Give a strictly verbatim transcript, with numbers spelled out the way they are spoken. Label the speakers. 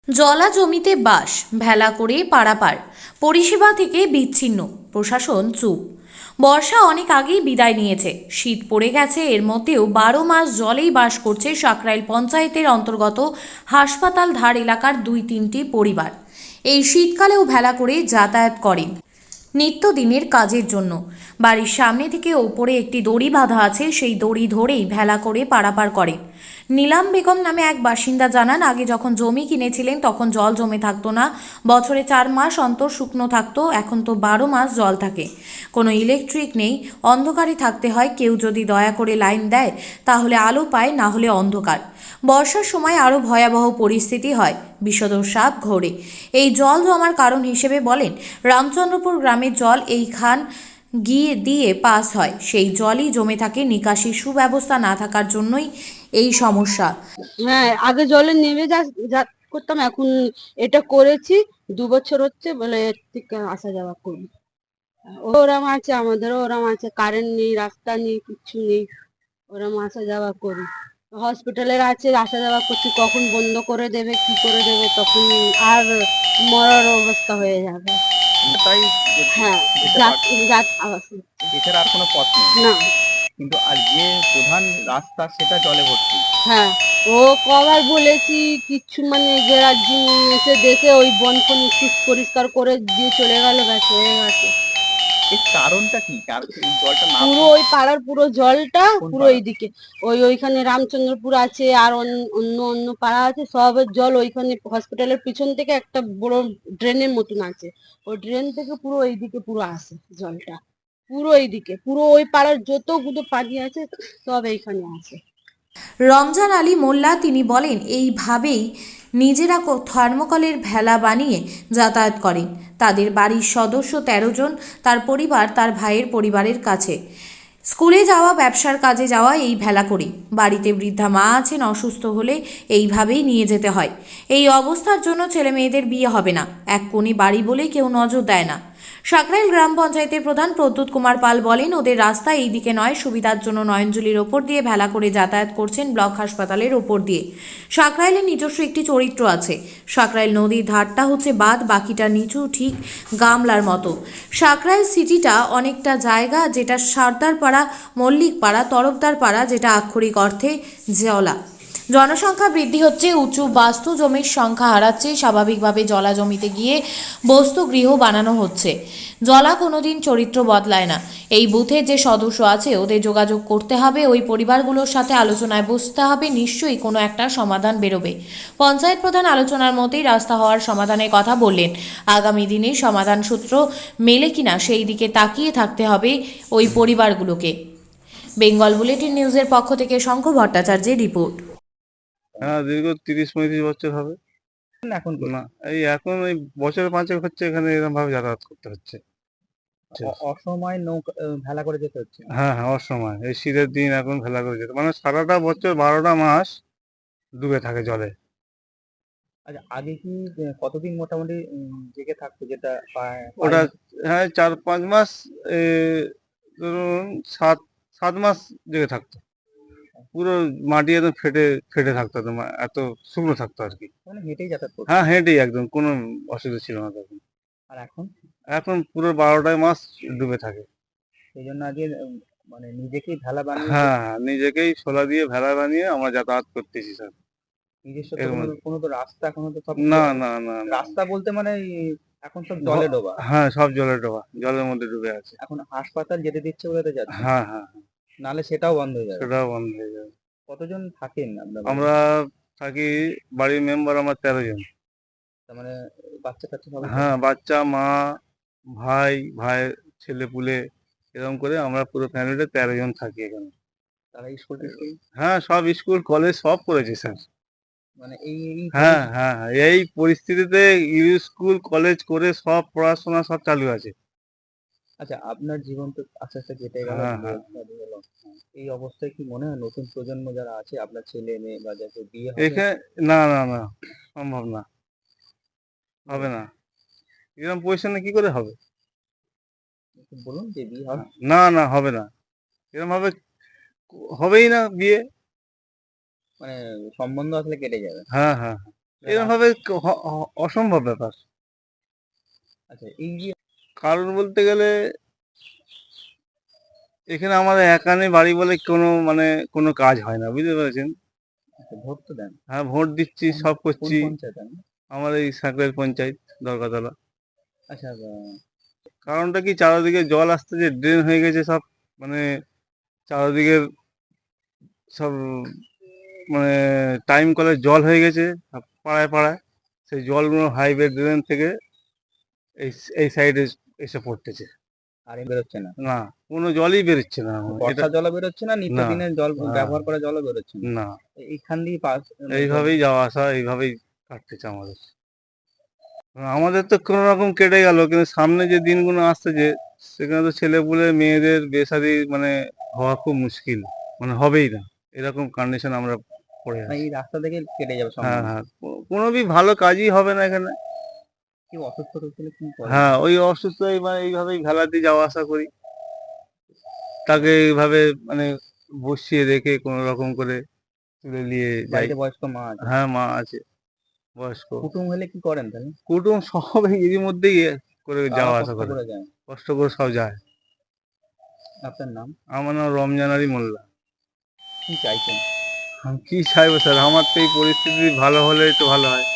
Speaker 1: জলা জমিতে বাস, ভেলা করে পারাপার, পরিষেবা থেকে বিচ্ছিন্ন, প্রশাসন চুপ। বর্ষা অনেক আগেই বিদায় নিয়েছে, শীত পড়ে গেছে, এর মধ্যেও বারো মাস জলেই বাস করছে সাকরাইল পঞ্চায়েতের অন্তর্গত হাসপাতাল ধার এলাকার দুই তিনটি পরিবার। এই শীতকালেও ভেলা করে যাতায়াত করেন নিত্যদিনের কাজের জন্য। বাড়ির সামনে থেকে ওপরে একটি দড়ি বাঁধা আছে, সেই দড়ি ধরেই ভেলা করে পারাপার করেন। নীলাম বেগম নামে এক বাসিন্দা জানান, আগে যখন জমি কিনেছিলেন তখন জল জমে থাকতো না, বছরে চার মাস অন্তর শুকনো থাকতো, এখন তো বারো মাস জল থাকে। কোনো ইলেকট্রিক নেই, অন্ধকারে থাকতে হয়, কেউ যদি দয়া করে লাইন দেয় তাহলে আলো পায়, না হলে অন্ধকার। বর্ষার সময় আরও ভয়াবহ পরিস্থিতি হয়, বিষধর সাপ ঘোরে। এই জল জমার কারণ হিসেবে বলেন, রামচন্দ্রপুর গ্রামের জল এই খান গিয়ে দিয়ে পাস হয়, সেই জলই জমে থাকে, নিকাশির সুব্যবস্থা না থাকার জন্যই এই সমস্যা।
Speaker 2: হ্যাঁ, আগে জলে নেমে যা যা করতাম, এখন এটা করেছি দু বছর হচ্ছে বলে এর থেকে আসা যাওয়া করি। ওরম আছে, আমাদেরও ওরম আছে, কারেন্ট নেই, রাস্তা নেই, কিচ্ছু নেই, ওরম আসা যাওয়া করি। হসপিটালের আছে, আসা যাওয়া করছি, কখন বন্ধ করে দেবে কি করে দেবে, তখন আর মরার অবস্থা হয়ে যাবে।
Speaker 3: তাই যে
Speaker 2: হ্যাঁ,
Speaker 3: যেতে
Speaker 2: যাত
Speaker 3: পারছে
Speaker 2: যাত আওয়াজ হচ্ছে।
Speaker 3: এছাড়া আর কোনো পথ নেই,
Speaker 2: না।
Speaker 3: কিন্তু আর যে প্রধান রাস্তা সেটা জলে ভর্তি।
Speaker 2: হ্যাঁ, ও কবার বলেছি, কিচ্ছু মানে গেরার যিনি এসে দেখে ওই বন ফন একটু পরিষ্কার করে দিয়ে চলে গেল, ব্যাস হয়ে গেছে।
Speaker 3: এর কারণটা কি? কার এই জলটা না
Speaker 2: পুরো
Speaker 3: পড়ে
Speaker 2: ওই পাড়ার পুরো জলটা
Speaker 3: কোন
Speaker 2: পুরো
Speaker 3: পাড়া?
Speaker 2: এইদিকে, ওই ওইখানে রামচন্দ্রপুর আছে, আর অন্য অন্য অন্য পাড়া আছে, সবের জল ওইখানে হসপিটালের পিছন থেকে একটা বড় ড্রেনের মতন আছে, ওই ড্রেন থেকে পুরো এইদিকে পুরো আসে জলটা, পুরো এইদিকে পুরো ওই পাড়ার যতগুলো পানি আছে সব এইখানে আছে।
Speaker 1: রমজান আলী মোল্লা তিনি বলেন, এইভাবেই নিজেরা কো- থার্মোকলের ভেলা বানিয়ে যাতায়াত করেন। তাদের বাড়ির সদস্য তেরো জন, তার পরিবার তার ভাইয়ের পরিবারের কাছে। স্কুলে যাওয়া, ব্যবসার কাজে যাওয়া এই ভেলা করে। বাড়িতে বৃদ্ধা মা আছেন, অসুস্থ হলে এইভাবেই নিয়ে যেতে হয়। এই অবস্থার জন্য ছেলে মেয়েদের বিয়ে হবে না, এক কোণে বাড়ি বলে কেউ নজর দেয় না। সাকরাইল গ্রাম পঞ্চায়েতের প্রধান প্রদ্যুৎ কুমার পাল বলেন, ওদের রাস্তা এই দিকে নয়, সুবিধার জন্য নয়নজুলির ওপর দিয়ে ভেলা করে যাতায়াত করছেন ব্লক হাসপাতালের ওপর দিয়ে। সাকরাইলের নিজস্ব একটি চরিত্র আছে, সাকরাইল নদীর ধারটা হচ্ছে বাঁধ, বাকিটা নিচু, ঠিক গামলার মতো। সাকরাইল সিটিটা অনেকটা জায়গা, যেটা সর্দারপাড়া, মল্লিকপাড়া, তরফদারপাড়া, যেটা আক্ষরিক অর্থে জলা। জনসংখ্যা বৃদ্ধি হচ্ছে, উঁচু বাস্তু জমির সংখ্যা হারাচ্ছে, স্বাভাবিকভাবে জলা জমিতে গিয়ে বস্তু গৃহ বানানো হচ্ছে। জলা কোনোদিন চরিত্র বদলায় না। এই বুথের যে সদস্য আছে ওদের যোগাযোগ করতে হবে, ওই পরিবারগুলোর সাথে আলোচনায় বসতে হবে, নিশ্চয়ই কোনো একটা সমাধান বেরোবে। পঞ্চায়েত প্রধান আলোচনার মতেই রাস্তা হওয়ার সমাধানের কথা বললেন। আগামী দিনে সমাধান সূত্র মেলে কিনা সেই দিকে তাকিয়ে থাকতে হবে ওই পরিবারগুলোকে। বেঙ্গল বুলেটিন নিউজের পক্ষ থেকে শঙ্খ ভট্টাচার্যের রিপোর্ট।
Speaker 4: হ্যাঁ, দীর্ঘ তিরিশ পঁয়ত্রিশ বছর হবে।
Speaker 3: এখন করছে?
Speaker 4: না, এই এখন ওই বছর পাঁচেক হচ্ছে এখানে এরকম ভাবে যাতায়াত করতে হচ্ছে।
Speaker 3: অ- অসময়ে নৌকা আহ, ভেলা করে যেতে হচ্ছে।
Speaker 4: হ্যাঁ হ্যাঁ, অসময় এই শীতের দিন এখন ভেলা করে যেতে মানে সারাটা বছর বারোটা মাস ডুবে থাকে জলে।
Speaker 3: আচ্ছা, আগে কি আহ, কতদিন মোটামুটি উম, জেগে থাকতো, যেটা পা- পার
Speaker 4: ওটা
Speaker 3: হতো?
Speaker 4: হ্যাঁ, চার পাঁচ মাস, এ, ধরুন সাত সাত মাস জেগে থাকতো। পুরো মাটি একদম ফেটে ফেটে থাকতো, একদম এত শুকনো থাকতো আর কি।
Speaker 3: মানে হেঁটেই যাতায়াত করতো?
Speaker 4: হ্যাঁ, হেঁটেই একদম, কোনো অসুবিধা ছিল না তখন।
Speaker 3: আর এখন
Speaker 4: এখন পুরো বারোটায় মাস ডুবে থাকে।
Speaker 3: সেই জন্য আগে উম, মানে নিজেকেই ভেলা বানিয়ে যে-
Speaker 4: হ্যাঁ হ্যাঁ, নিজেকেই শোলা দিয়ে ভেলা বানিয়ে আমরা যাতায়াত করতেছি স্যার।
Speaker 3: নিজস্ব তো
Speaker 4: এর
Speaker 3: কোনো
Speaker 4: মধ্যে
Speaker 3: কোনো তো রাস্তা এখনো তো সব
Speaker 4: না
Speaker 3: জ-
Speaker 4: না না না
Speaker 3: রাস্তা বলতে মানে এই এখন সব জলে
Speaker 4: ঘ-
Speaker 3: ডোবা।
Speaker 4: হ্যাঁ, সব জলে ডোবা, জলের মধ্যে ডুবে আছে।
Speaker 3: এখন হাসপাতাল যেতে দিচ্ছে বলে তো যাচ্ছে,
Speaker 4: হ্যাঁ হ্যাঁ,
Speaker 3: নাহলে সেটাও বন্ধ হয়ে যাবে।
Speaker 4: সেটাও বন্ধ হয়ে যাবে।
Speaker 3: কতজন থাকেন আপনার বাড়িতে?
Speaker 4: আমরা থাকি, বাড়ির মেম্বার আমার তেরো জন।
Speaker 3: তার মানে বাচ্চা কাচ্চা সবাই থাকে?
Speaker 4: হ্যাঁ, বাচ্চা, মা, ভাই, ভাইয়ের ছেলে পুলে, এরকম করে আমরা পুরো ফ্যামিলিতে তেরো জন থাকি এখানে।
Speaker 3: তারা স্কুল টিস্কুল
Speaker 4: হ্যাঁ, সব স্কুল কলেজ সব করেছে স্যার।
Speaker 3: মানে এই এই
Speaker 4: হ্যাঁ
Speaker 3: পরি-
Speaker 4: হ্যাঁ হ্যাঁ, এই পরিস্থিতিতে স্কুল কলেজ করে সব পড়াশোনা সব চালু আছে।
Speaker 3: আচ্ছা, আপনার জীবন তো আস্তে আস্তে কেটে গেল,
Speaker 4: হ্যাঁ
Speaker 3: বিয়ে
Speaker 4: হ্যাঁ,
Speaker 3: শাদী হলো, এই অবস্থায় কি মনে হয় নতুন প্রজন্ম যারা আছে, আপনার ছেলে মেয়ে বা যাদের বিয়ে হবে?
Speaker 4: এখানে না না না, সম্ভব না, হবে না, এরকম পজিশনে কি করে হবে?
Speaker 3: একটু বলুন যে বিয়ে হবে?
Speaker 4: না না, হবে না, এরকম ভাবে হবেই না বিয়ে।
Speaker 3: মানে সম্বন্ধ আসলে কেটে যাবে?
Speaker 4: হ্যাঁ হ্যাঁ, এরকম ভাবে ক- হ- হ- অসম্ভব ব্যাপার।
Speaker 3: আচ্ছা, এই যে
Speaker 4: কারণ বলতে গেলে এখানে আমাদের একানে বাড়ি বলে কোনো মানে কোনো কাজ হয় না, বুঝতে পেরেছেন?
Speaker 3: আচ্ছা, ভোট তো দেন।
Speaker 4: হ্যাঁ, ভোট দিচ্ছি,
Speaker 3: কোন
Speaker 4: সব
Speaker 3: কোন
Speaker 4: করছি।
Speaker 3: পঞ্চায়েত আপনি?
Speaker 4: আমার এই সাঁকরাইল পঞ্চায়েত দরগাতলা।
Speaker 3: আচ্ছা, আহ,
Speaker 4: কারণটা কি, চারিদিকে জল আসতে যে ড্রেন হয়ে গেছে সব, মানে চারিদিকের সব মানে টাইম কলের জল হয়ে গেছে সব পাড়ায় পাড়ায়। সেই জলগুলো হাইওয়ে ড্রেন থেকে এই এই সাইডে এসে পড়তেছে।
Speaker 3: আর এ বেরোচ্ছে না।
Speaker 4: না, কোনো জলই বেরোচ্ছে না
Speaker 3: তো
Speaker 4: এটা।
Speaker 3: বর্ষার জলও বেরোচ্ছে না,
Speaker 4: না,
Speaker 3: নিত্যদিনের জল
Speaker 4: হ্যাঁ,
Speaker 3: ব্যবহার করা জলও বেরোচ্ছে না।
Speaker 4: না,
Speaker 3: এ- এইখান দিয়ে পাস মানে জল।
Speaker 4: এইভাবেই যাওয়া আসা, এইভাবেই কাটতেছে আমাদের। আমাদের তো কোনো রকম কেটে গেল, কিন্তু সামনে যে দিনগুলো আসতেছে সেখানে তো ছেলেপুলে মেয়েদের বেসাদি মানে হওয়া খুব মুশকিল, মানে হবেই না, এরকম কন্ডিশন আমরা পড়ে
Speaker 3: মানে
Speaker 4: আছি।
Speaker 3: এই রাস্তা থেকে কেটে যাবে
Speaker 4: হ্যাঁ,
Speaker 3: সম্ভাবনা।
Speaker 4: হ্যাঁ, কো- কোনো বি ভালো কাজই হবে না এখানে।
Speaker 3: কেউ অসুস্থ টসুস্থ হলে কি করেন?
Speaker 4: হ্যাঁ, ওই অসুস্থ মানে এইভাবেই ভেলা দিয়ে যাওয়া আসা করি, তাকে এইভাবে মানে বসিয়ে রেখে কোনো রকম করে তুলে নিয়ে যাই।
Speaker 3: বাড়িতে বয়স্ক মা আছে।
Speaker 4: হ্যাঁ, মা আছে বয়স্ক।
Speaker 3: কুটুম হলে কি করেন তাহলে?
Speaker 4: কুটুম সব এরই মধ্যেই এ করে
Speaker 3: তারা
Speaker 4: যাওয়া আসা
Speaker 3: কষ্ট
Speaker 4: করে,
Speaker 3: করে যায়।
Speaker 4: কষ্ট করে সব যায়।
Speaker 3: আপনার নাম?
Speaker 4: আমার নাম রমজান আলী মোল্লা।
Speaker 3: কি চাইছেন?
Speaker 4: আমি কি চাইবো স্যার, আমার তো এই পরিস্থিতি ভালো হলেই তো ভালো হয়।